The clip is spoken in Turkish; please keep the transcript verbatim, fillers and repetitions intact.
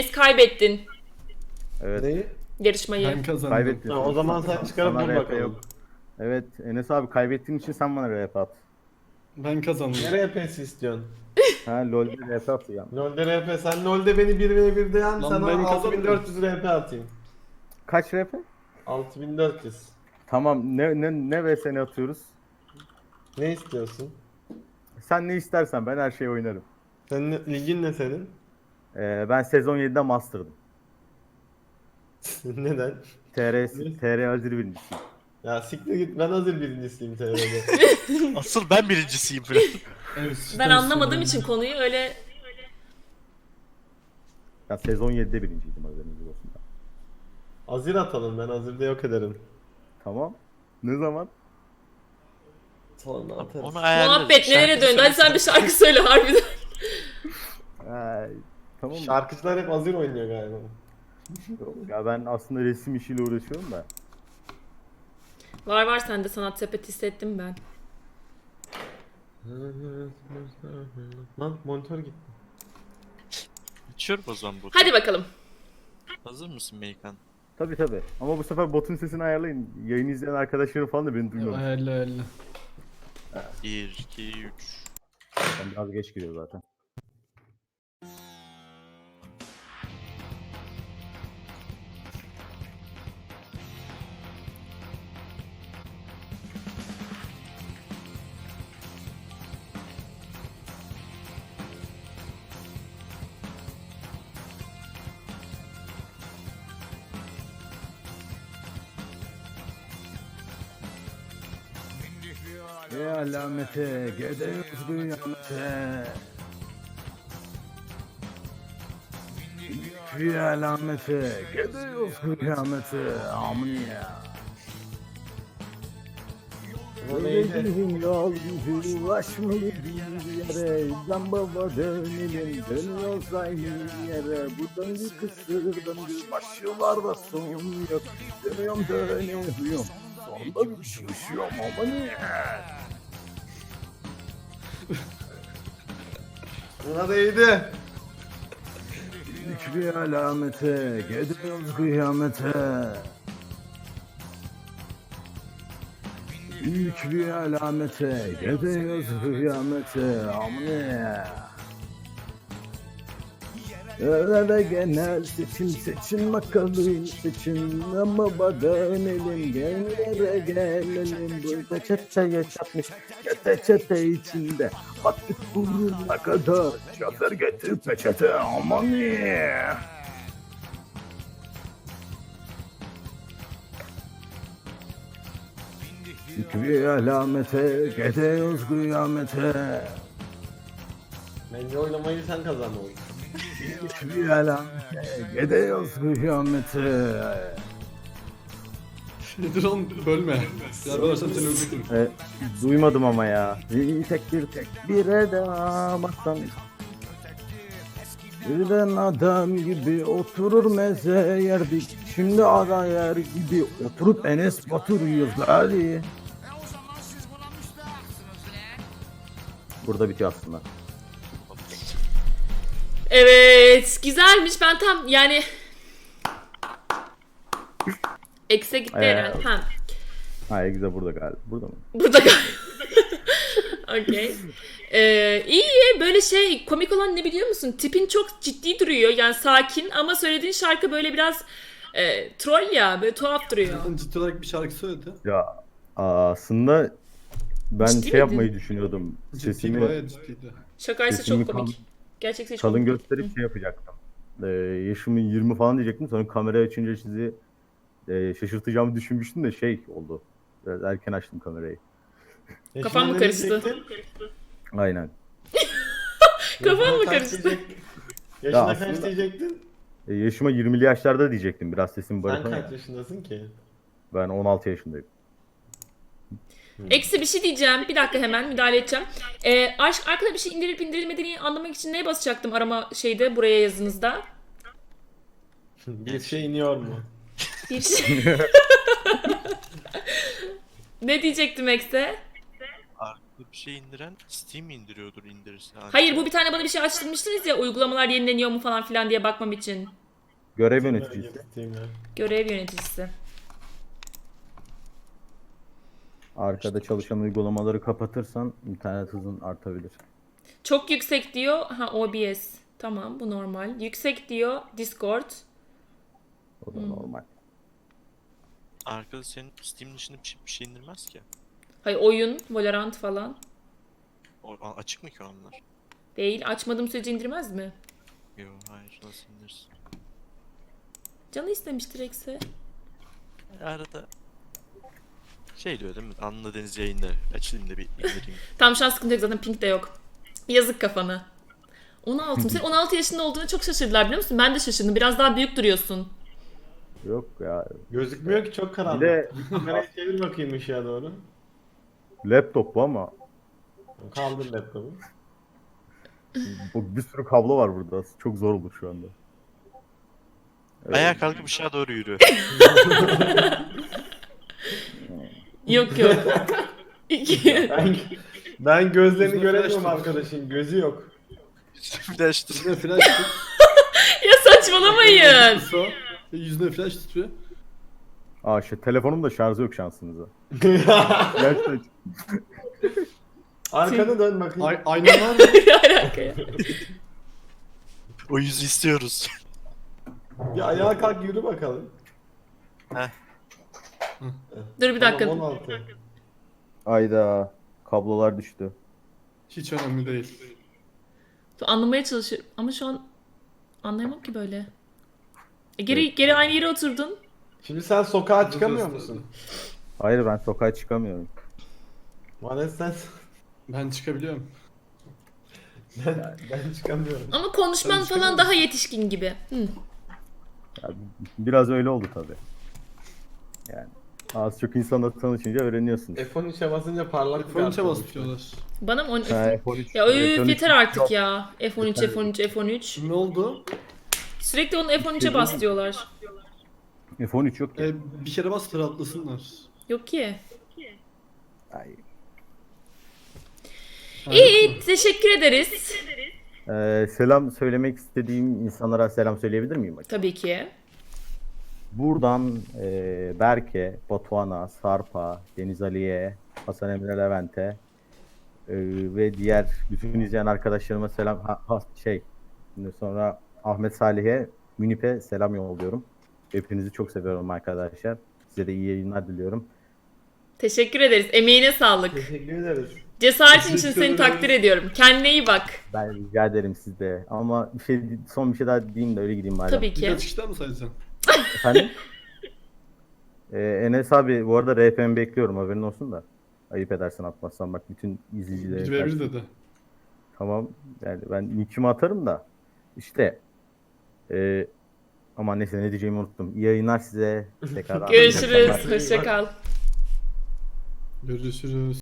Kaybettin Evet. Neyi? yarışmayı. Ben kazandım. Kaybettin. Ha, o zaman sen çıkarıp Sana vur R P bakalım. yok. Evet Enes abi kaybettiğin için sen bana R P at. Ben kazandım. Ne R P'si istiyorsun? Ha LoL'de R P atacağım. LoL'de R P. Sen LoL'de beni bir ve birde yen, Lan sana ben altı bin kazandım. dört yüz R P atayım. Kaç R P? altı bin dört yüz. Tamam ne ne ne ve seni atıyoruz. Ne istiyorsun? Sen ne istersen ben her şeyi oynarım. Senin ligin ne senin? Ee, ben sezon yedide master'dım. Neden? T R T R Azir birincisiyim. Ya siktir git, ben hazır birincisiyim T R'de. Asıl ben birincisiyim falan. Evet, Ben süper anlamadığım söyledin. için konuyu öyle Ben sezon yedide birinciydim haberiniz olsun. Azir atalım, ben Azir'de yok ederim. Tamam. Ne zaman? Sonra atarız. Onu ayarlarız. muhabbet nelere Şarkı döndü. Hadi sen bir şarkı söyle harbiden. Ay, tamam mı? Şarkıcılar hep Azir oynuyor galiba. Yok ya ben aslında resim işiyle uğraşıyorum da. Var var sende sanat sepeti hissettim ben. Lan monitör gitti. Açıyorum o zaman botu. Hadi bakalım. Hazır mısın Meykan? Tabi tabi. Ama bu sefer botun sesini ayarlayın. Yayın izleyen arkadaşlarım falan da beni duymuyor. Ayarla ayarla. bir, iki, üç. Ben biraz geç giriyor zaten. Ya alamete, gidiyoruz kıyamete. Ya alamete, gidiyoruz kıyamete. Amin ya. O neydi? Öyle yol bizi ulaşmalı bir yere. Zambaba dönelim, dönüyoruz aynı yere. Buradan bir kısır döndü, başlarda son yok. Dönüyorum dönüyorum, sonunda bir düşüşüyorum ama niye? Buna değdi. İlk bir alamete, gidiyoruz kıyamete. İlk bir alamete, gidiyoruz kıyamete. Amine. Öyle genel seçim seçim bakalım seçim ama dönelim genlere gelelim burada çeteye çatmış çete çete içinde battık burnuna kadar çadır getir peçete aman ye. Bir alamete gidiyoruz kıyamete. Bence oynamayı sen kazandın. Bir alamete gidiyoruz kıyamete. Nedir oğlum, bölme. Ya bölersen seni öldürürüm. E, duymadım ama ya. Bir tek bir tek bir adam aslan. Birden adam gibi oturur meze yerdik. Şimdi ara yer gibi oturup Enes Batur yiyoruz hadi. Burada bitiyor aslında. Evet güzelmiş ben tam yani Ekse gitti Ee, herhalde. Ha, Ha güzel burada galiba. Burada mı? burada okey. Ee, iyi böyle şey komik olan ne biliyor musun? Tipin çok ciddi duruyor yani sakin ama söylediğin şarkı böyle biraz e, troll ya böyle tuhaf duruyor. Zaten ciddi olarak bir şarkı söyledi. Ya aslında ben Ciddi şey miydin? yapmayı düşünüyordum. Ciddi, Sesimi bayağı ciddiydi. Şakaysa Sesimi çok komik. Gerçekse çok kalın komik. gösterip şey yapacaktım. Ee, yaşımın yirmi falan diyecektim. Sonra kamerayı açınca sizi e, şaşırtacağımı düşünmüştüm de şey oldu. Biraz erken açtım kamerayı. Kafam mı Yaşına ne karıştı? diyecektin? Aynen. Kafam Yaşına mı kaç karıştı? diyecek- Yaşına Ya kaç aslında- diyecektin? E, yaşıma yirmili yaşlarda diyecektim. Biraz sesim Sen barışan kaç ya. yaşındasın ki? Ben on altı yaşındayım. Eksi bir şey diyeceğim. Bir dakika hemen müdahale edeceğim. Ee, aşk arkada bir şey indirilip indirilmediğini anlamak için neye basacaktım arama şeyde buraya yazınızda? Bir şey iniyor mu? Bir şey. Ne diyecektim Ekse? Bir şey indiren Steam indiriyordur indirirse. Ancak. Hayır, bu bir tane bana bir şey açtırmıştınız ya, uygulamalar yenileniyor mu falan filan diye bakmam için. Görev Merak yöneticisi. ettiğim ya. Görev yöneticisi. Arkada çalışan uygulamaları kapatırsan internet hızın artabilir. Çok yüksek diyor. Ha, O B S. Tamam, bu normal. Yüksek diyor Discord. O da normal. Arkada senin Steam dışında bir şey, bir şey indirmez ki. Hayır, oyun, Valorant falan. O, a- açık mı ki onlar? Değil. Açmadığım sürece indirmez mi? Yo hayır nasıl indirsin? Canı istemiştir ekse. Arada şey diyor değil mi? Anla Deniz yayında açayım da bir indireyim. Tam şu an sıkıntı yok, zaten pink de yok. Yazık kafana. on altı mı? Sen on altı yaşında olduğunu çok şaşırdılar, biliyor musun? Ben de şaşırdım. Biraz daha büyük duruyorsun. Yok ya. Gözükmüyor ki, çok karanlık. Bir de Kamerayı çevir bakayım ışığa doğru. laptop bu ama Kaldır laptopu. bu bir sürü kablo var burada. Çok zor olur şu anda. Evet. Ayağa kalkıp ışığa doğru yürü. Yok yok. İki. Ben, ben gözlerini Yüzüne göremiyorum flash arkadaşın. Gözü yok. Flash'tır. Yüzüne flash tut. Ya saçmalamayın. Kısa. Ve yüzüne flash tutuyor. Aa işte telefonum da şarjı yok şansınıza. Gerçekten Arkana dön bakayım. Ay aynan var mı? Ne alaka ya? O yüzü istiyoruz. Bir ayağa kalk yürü bakalım. Dur bir dakika. Tamam, on altı. ayda kablolar düştü. Hiç önemli değil. Dur, anlamaya çalışıyorum ama şu an anlayamam ki böyle. E, geri geri aynı yere oturdun. Şimdi sen sokağa çıkamıyor musun? Hayır ben sokağa çıkamıyorum. Vanes sen... Ben çıkabiliyorum. Ben, ben çıkamıyorum. Ama konuşman Sen falan çıkamıyor daha yetişkin gibi. Hı. Ya, biraz öyle oldu tabii. Yani az çok insanla tanışınca öğreniyorsunuz. F on üçe basınca parlak bir F on üçe kart bas oluştu. diyorlar. Bana mı on... Ha, F on üç. Ya F on öf üç yeter artık ya. F on üç, F on üç, F on üç. Ne oldu? Sürekli onu F on üçe bas diyorlar. F on üç yok ya. E, bir kere bas rahatlasınlar. Yok ki. Ay. İyi, teşekkür ederiz. Ee, selam söylemek istediğim insanlara selam söyleyebilir miyim acaba? Tabii ki. Buradan e, Berke, Batuhan'a, Sarp'a, Deniz Ali'ye, Hasan Emre Levent'e e, ve diğer bütün izleyen arkadaşlarıma selam. Ha, ha, şey, şimdi sonra Ahmet Salih'e, Münip'e selam yolluyorum. Hepinizi çok seviyorum arkadaşlar. Size de iyi yayınlar diliyorum. Teşekkür ederiz. Emeğine sağlık. Teşekkür ederiz. Cesaretin için Teşekkür seni ederiz. takdir ediyorum. Kendine iyi bak. Ben rica ederim sizde. Ama bir şey, son bir şey daha diyeyim de öyle gideyim bari. Tabii Bir ki. kaç kişiden mi sayacaksın? Efendim? Ee, Enes abi bu arada R P M bekliyorum, haberin olsun da. Ayıp edersen atmazsan, bak bütün izleyicilere Bir ve bir karşı- dedi. Tamam yani ben nickimi atarım da işte e, aman neyse ne diyeceğimi unuttum. İyi yayınlar size. Tekrar Görüşürüz. Hoşça kal. Görüşürüz.